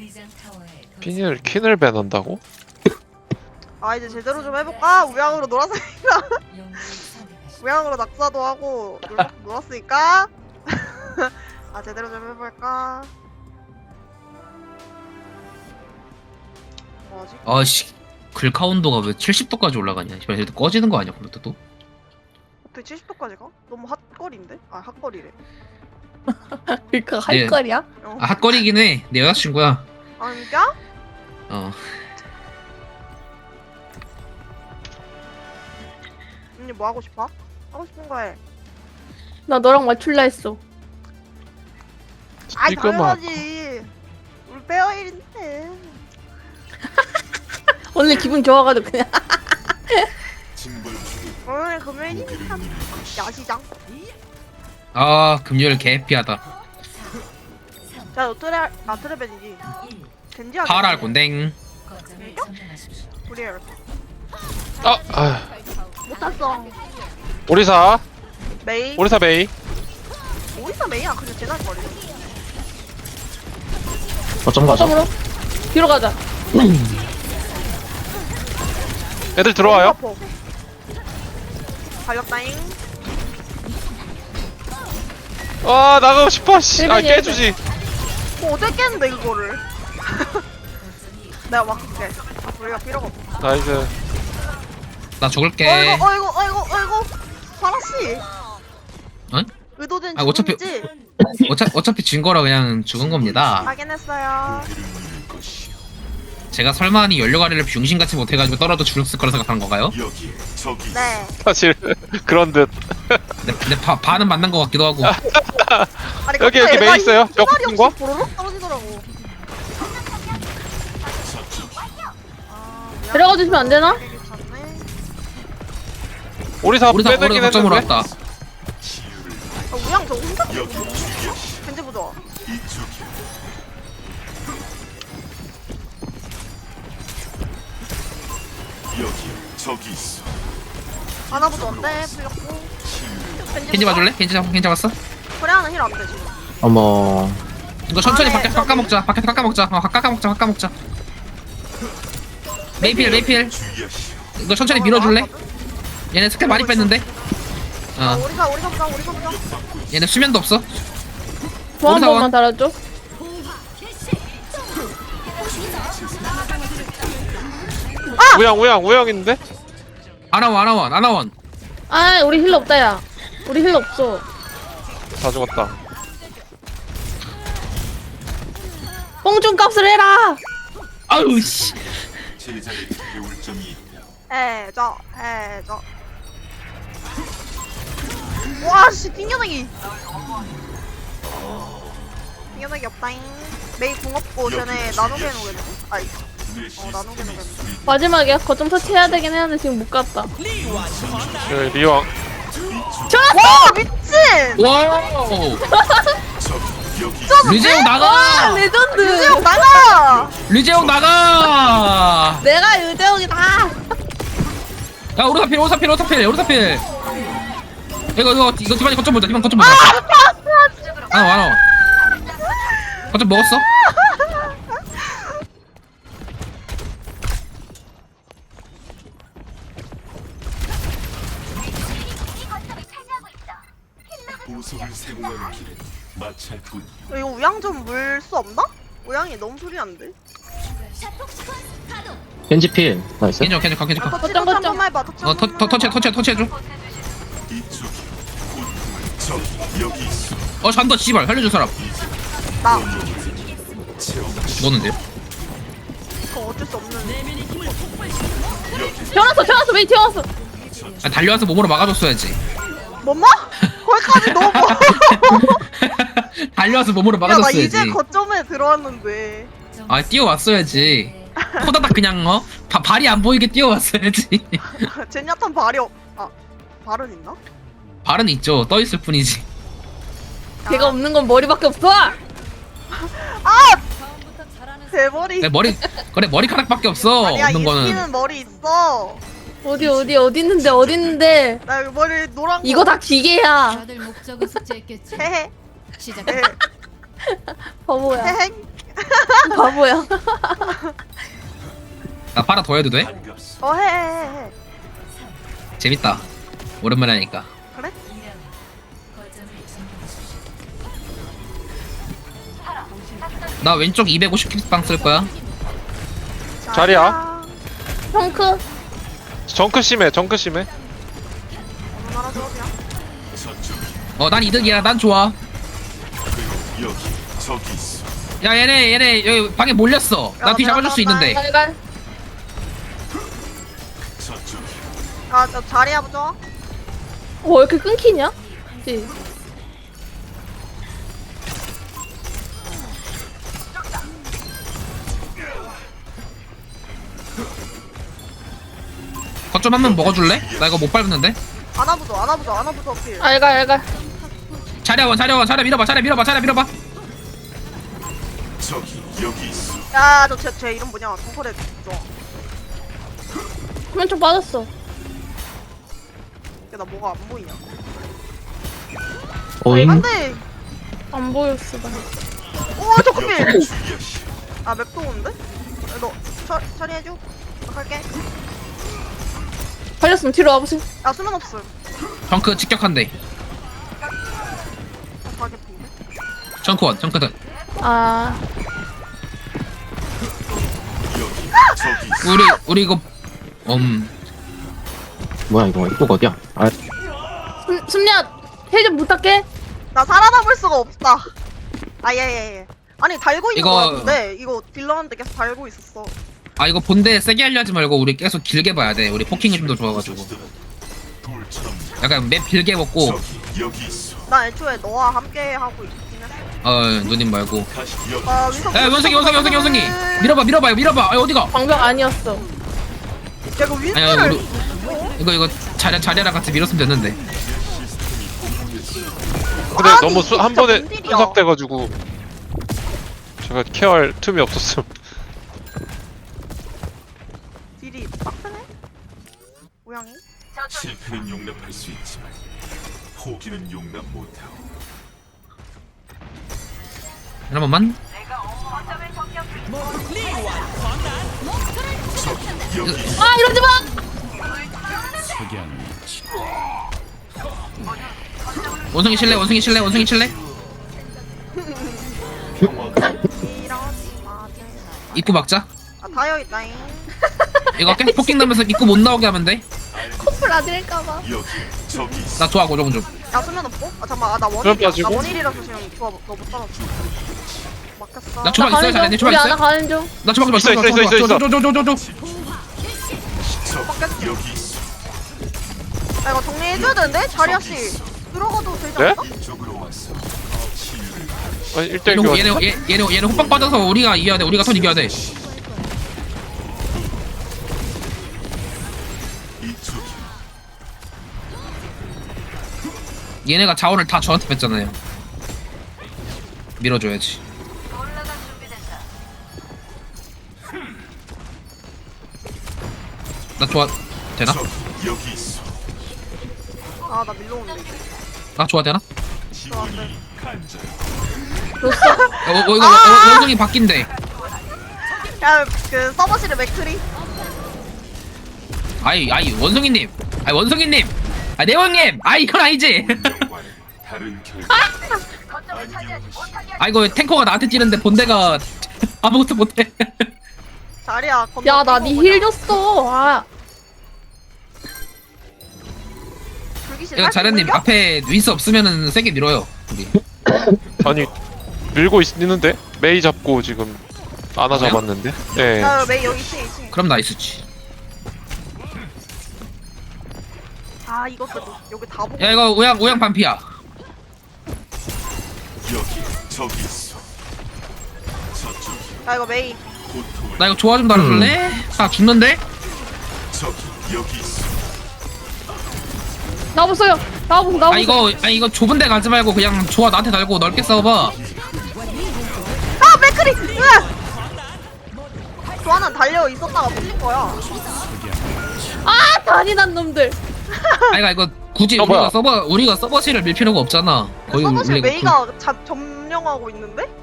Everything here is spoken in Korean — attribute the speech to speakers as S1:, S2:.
S1: 퀸을 배난다고?
S2: 아 이제 제대로 좀 해볼까? 우양으로 놀았으니까 우양으로 낙사도 하고 놀았으니까 아 제대로 좀 해볼까? 뭐지?
S3: 아씨 글카 온도가 왜 70도까지 올라가냐. 씨발 얘도 꺼지는 거 아니야 컴퓨터도?
S2: 어떻게 70도까지 가? 너무 핫거리인데? 아 핫거리래.
S4: 그니까
S3: 예.
S4: 할 거리야?
S2: 어.
S3: 아 핫거리긴 해. 내 여자친구야.
S2: 아 진짜?
S3: 어.
S2: 언니 뭐 하고 싶어? 하고 싶은 거 해.
S4: 나 너랑 맞출라 했어.
S2: 아이
S1: 이거만
S2: 당연하지. 우리 페어일인데.
S4: 오늘 기분 좋아가지고 그냥.
S2: 오늘 금요일이니까 야시장.
S3: 아 금요일 개 해피하다.
S2: 자, 너 트레벤이지. 겐지야.
S3: 파랄 곤댕.
S2: 우리
S1: 아
S2: 못 탔어.
S1: 오리사
S2: 메이.
S1: 오리사 메이.
S2: 어디서 메이야? 그냥 제날 거리.
S5: 어쩜 가죠?
S4: 점으로 뒤로 가자.
S1: 애들 들어와요.
S2: 갈렸다잉.
S1: 아 나가고 싶어. 씨. 아
S4: 일벤이야,
S1: 깨주지.
S2: 어떻게 깼는데 그거를? 내가 막을게. 우리가 필요가 없어.
S1: 나이스.
S3: 나 죽을게.
S2: 어이구. 파라씨.
S3: 응?
S2: 의도된
S3: 아, 어차피-
S2: 죽음이지?
S3: 어차피 진 거라 그냥 죽은 겁니다.
S2: 확인했어요.
S3: 제가 설마니 연료가리를 병신같이 못해가지고 떨어져 죽었을 거라 생각한 건가요?
S2: 네.
S1: 사실 그런 듯.
S3: 근데 반은 맞는 것 같기도 하고.
S2: 아니,
S1: 여기,
S2: 갑자기
S1: 여기
S2: 얘가
S1: 메이 있어요.
S2: 이 말이
S1: 옆인 거?
S2: 없이 보로록 떨어지더라고.
S4: 데려가 주시면 안 되나?
S1: 오리사
S3: 우리 다
S1: 빼들긴
S3: 거점으로
S1: 했는데.
S3: 왔다.
S2: 우양 저 혼자 겐지 보자. 하나 보자 어때? 풀렸고.
S3: 켄지 봐줄래? 켄지 잡았어?
S2: 코레아는 힐 안 돼 지금.
S5: 어머.
S3: 이거 천천히
S2: 아, 네,
S3: 밖에서 깎아먹자. 밖에서 깎아먹자. 깎아먹자. 메이필. 이거 천천히 밀어줄래? 얘네 스킬 많이 뺐는데?
S2: 우리가 보자.
S3: 얘네 수면도 없어.
S4: 보안
S3: 오리사원.
S4: 번만 달아줘.
S1: 우양 있는데?
S3: 아나원.
S4: 아 우리 힐러 없다 야. 우리 힐러 없어.
S1: 다 죽었다.
S4: 뽕준 값을 해라.
S3: 아유 씨.
S2: 해줘. 와씨 튕겨내기 없다잉. 메이 궁 없고 쟤네 나누게 놓겠네. 아이 나누게 놓겠네.
S4: 마지막이야. 거점 터치해야 되긴 했는데 지금 못 갔다.
S1: 여기 리왕.
S2: 와 미친!
S3: 와우. 류재용 나가.
S4: 와 레전드.
S2: 유재형 나가!
S3: 류재용 나가.
S4: 내가 유재형이다.
S3: 야 오르사필. 이거 디바니 거점 보자. 아나. 거점 먹었어?
S6: 보석을 세공하는 길은 마찰뿐.
S2: 이거 우양 좀 물 수 없나? 우양이 너무 소리 안 돼.
S5: 겐지필. 나이스.
S3: 괜찮아.
S2: 터치 한 번만 해봐.
S3: 터치해줘.
S6: 이쪽이 저 여기 있어.
S3: 잔다 씨발 살려줄 사람.
S2: 나
S3: 죽었는데요?
S2: 그거 어쩔 수 없는.
S4: 태어났어. 메이 태어났어.
S3: 달려와서 몸으로 막아줬어야지.
S2: 뭐뭐? 거기까지 너무 멀어.
S3: 달려와서 몸으로
S2: 야나
S3: 막아줬어야지.
S2: 이제 거점에 들어왔는데.
S3: 뛰어왔어야지. 호다닥 그냥 발이 안 보이게 뛰어왔어야지.
S2: 젠야탄 발이 발은 있나?
S3: 발은 있죠. 떠 있을 뿐이지.
S4: 걔가 없는 건 머리밖에 없어.
S2: 대머리.
S3: 내 머리카락밖에 없어.
S2: 아니야
S3: 없는 거는.
S2: 이스키는 머리 있어.
S4: 어디 있는데.
S2: 나 여기 머리 노란 거.
S4: 이거 다 기계야.
S7: 다들 목적은 숙제했겠지.
S2: 헤헤.
S7: 시작.
S2: 헤헤.
S4: 바보야.
S2: 헤헤.
S4: 바보야.
S3: 나 파라 더 해도 돼?
S6: 반갑소.
S2: 해.
S3: 재밌다. 오랜만에 하니까.
S2: 그래?
S3: 나 왼쪽 250킥방 쓸 거야.
S1: 자리야.
S4: 펑크.
S1: 정크 심해 정크 심해.
S2: 어느 나라 조합이야?
S6: 저쪽
S3: 난 이득이야. 난 좋아.
S6: 그리고 여기 저기 있어.
S3: 야 얘네 여기 방에 몰렸어. 나 뒤 잡아줄 수 있는데.
S4: 갈갈.
S6: 저쪽
S2: 저 자리야 보자.
S4: 왜 이렇게 끊기냐? 그치?
S3: 거점 한 번 먹어줄래? 나 이거 못 밟는데.
S2: 안아보자 필.
S4: 알갈.
S3: 자리야 밀어봐.
S6: 저기 여기 있어.
S2: 야저쟤 이름 뭐냐? 동컬에 좋아.
S4: 화면 좀 빠졌어.
S2: 나 뭐가 안 보이냐?
S5: 오잉.
S2: 안돼.
S4: 안 보였어 나.
S2: 오 저거 필.
S6: 주의하시.
S2: 맵도 오는데? 너 처리해줘. 나 갈게.
S4: 걸렸으면 뒤로 와보세요.
S2: 야 수면 없음.
S3: 정크 직격한대.
S2: 가게 핀데.
S3: 정크원.
S4: 아,
S6: 저기 있어.
S3: 우리 이거
S5: 뭐야 이거 이거 어디야? 아
S4: 숨냐 힐좀 부탁해.
S2: 나 살아남을 수가 없다. 예. 아니 달고 있는
S3: 이거-
S2: 거 같은데 이거 딜러한테 계속 달고 있었어.
S3: 이거 본대 세게 하려 하지 말고 우리 계속 길게 봐야 돼. 우리 포킹이 좀 더 좋아가지고.
S6: 돌처럼
S3: 약간 맵 길게 먹고
S6: 저기 여기 있어.
S2: 나 애초에 너와 함께 하고 있긴 했어.
S3: 누님 말고.
S6: 다시 여기
S2: 윈선.
S3: 원숭이 밀어봐. 어디가?
S4: 방벽 아니었어.
S2: 야 이거
S3: 아니야
S2: 윈선을.
S3: 이거 자리랑 같이 밀었으면 됐는데.
S1: 근데
S2: 아니,
S1: 너무 한
S2: 진짜
S1: 번에
S2: 뭔 일이야.
S1: 분석돼가지고 제가 케어할 틈이 없었음.
S2: 딜이 빡세네. 모양이.
S6: 실패는 용납할 수 있지만 포기는 용납 못하고.
S3: 한 번만.
S6: 저기 여기 있어.
S4: 아 이러지 마.
S3: 원숭이 칠래?
S2: 이러지 마.
S3: 입구 막자.
S2: 다여 있다잉.
S3: 이거 계속 포킹 나면서 입구 못 나오게 하면 돼.
S4: 커플 아들일까봐.
S6: 여기 저기 있어.
S3: 나 좋아 고정 좀.
S2: 야 수면 없고? 잠깐만 나
S1: 수면
S2: 원일이야.
S1: 빠지고?
S2: 나 원일이라서 지금 좋아 너못 따라줘. 막혔어.
S3: 나 주방 있어요? 자네 주방
S4: 우리
S3: 있어요?
S4: 하나 가는 중.
S3: 나 주방 좀
S1: 있어.
S3: 줘.
S6: 저기 여기 있어.
S2: 야 이거 정리해줘야 되는데? 자리야 씨. 들어가도 되지
S1: 네?
S2: 않나?
S6: 이쪽으로 왔어. 치유를
S1: 아니 1대1 교환.
S3: 얘네 호빵 빠져서 우리가 이겨야 돼. 우리가 선 이겨야 돼.
S6: 이쪽이
S3: 얘네가 자원을 다 저한테 뺐잖아요. 밀어줘야지. 나 좋아 되나?
S6: 저기 여기 있어.
S2: 나 밀러오는데 이제.
S3: 나 좋아 되나?
S6: 지원이 간절.
S3: 이거 원숭이 바뀐대.
S2: 야그 서버실에 맥크리.
S3: 아이 원숭이님. 내원님. 이건 아니지.
S6: 영과는 다른 결과.
S3: 이거 탱커가 나한테 찌는데 본대가 아무것도 못해.
S2: 자리야 건너.
S4: 야 나 니 힐 줬어. 아.
S3: 이거 자련님 앞에 윈스 없으면은 세게 밀어요. 우리.
S1: 아니 밀고 있는데 메이 잡고 지금 아나
S3: 그래요?
S1: 잡았는데. 예.
S2: 야 메이 여기 2층.
S3: 그럼 나이스지.
S2: 이것도 여기 다 보고.
S3: 야 이거 우양 반피야.
S6: 여기 저기 있어. 저쪽이
S2: 야 이거 메이.
S6: 고통을.
S3: 나 이거 조화 좀 달아줄래? 아 죽는데?
S6: 저기 여기 있어.
S4: 나와보세요.
S3: 이거 좁은 데 가지 말고 그냥 조화 나한테 달고 넓게 싸워봐.
S2: 맥크리. 조아는 달려 있었다가 풀린 거야.
S4: 아 잔인한 놈들.
S3: 이거 굳이
S1: 뭐야?
S3: 우리가 서버실을 밀 필요가 없잖아. 거의
S2: 서버실
S3: 우리가
S2: 메이가 점령하고 있는데?